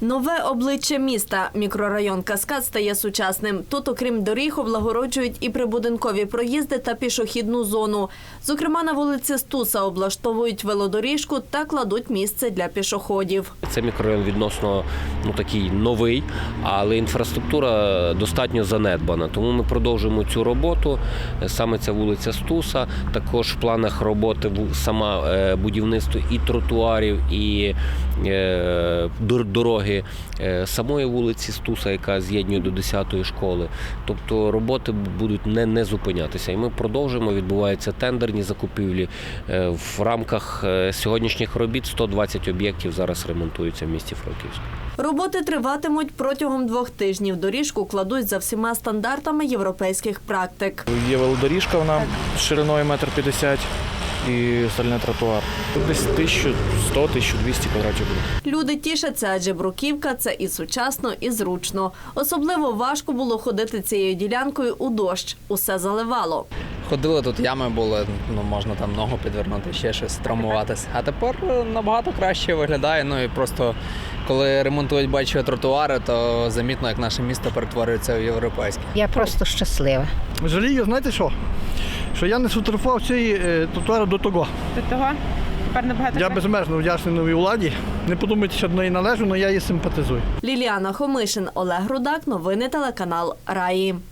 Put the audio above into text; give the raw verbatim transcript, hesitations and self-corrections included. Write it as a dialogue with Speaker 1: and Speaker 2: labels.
Speaker 1: Нове обличчя міста. Мікрорайон Каскад стає сучасним. Тут, окрім доріг, облагороджують і прибудинкові проїзди та пішохідну зону. Зокрема, на вулиці Стуса облаштовують велодоріжку та кладуть місце для пішоходів.
Speaker 2: Це мікрорайон відносно ну, такий новий, але інфраструктура достатньо занедбана. Тому ми продовжуємо цю роботу. Саме ця вулиця Стуса. Також в планах роботи сама будівництво і тротуарів, і дороги самої вулиці Стуса, яка з'єднує до десятої школи. Тобто роботи будуть не, не зупинятися. І ми продовжуємо, відбуваються тендерні закупівлі. В рамках сьогоднішніх робіт сто двадцять об'єктів зараз ремонтуються в місті Франківську.
Speaker 1: Роботи триватимуть протягом двох тижнів. Доріжку кладуть за всіма стандартами європейських практик.
Speaker 3: Є велодоріжка, вона шириною метр п'ятдесят і стальний тротуар. Десь тисяча сто - тисяча двісті квадратів буде.
Speaker 1: Люди тішаться, адже бруківка – це і сучасно, і зручно. Особливо важко було ходити цією ділянкою у дощ. Усе заливало.
Speaker 4: Ходили, тут ями були, ну можна там ногу підвернути, ще щось, травмуватися. А тепер набагато краще виглядає. Ну і просто коли ремонтують, бачу, тротуари, то замітно, як наше місто перетворюється в європейське.
Speaker 5: Я просто щаслива.
Speaker 6: Жалію, знаєте що? Що я не сфотографував цієї е, тротуару до того.
Speaker 7: До того? Тепер набагато
Speaker 6: Я
Speaker 7: краще.
Speaker 6: безмежно вдячний новій владі. Не подумайте, що до неї належу, але я її симпатизую.
Speaker 1: Ліліана Хомишин, Олег Рудак. Новини телеканал Раї.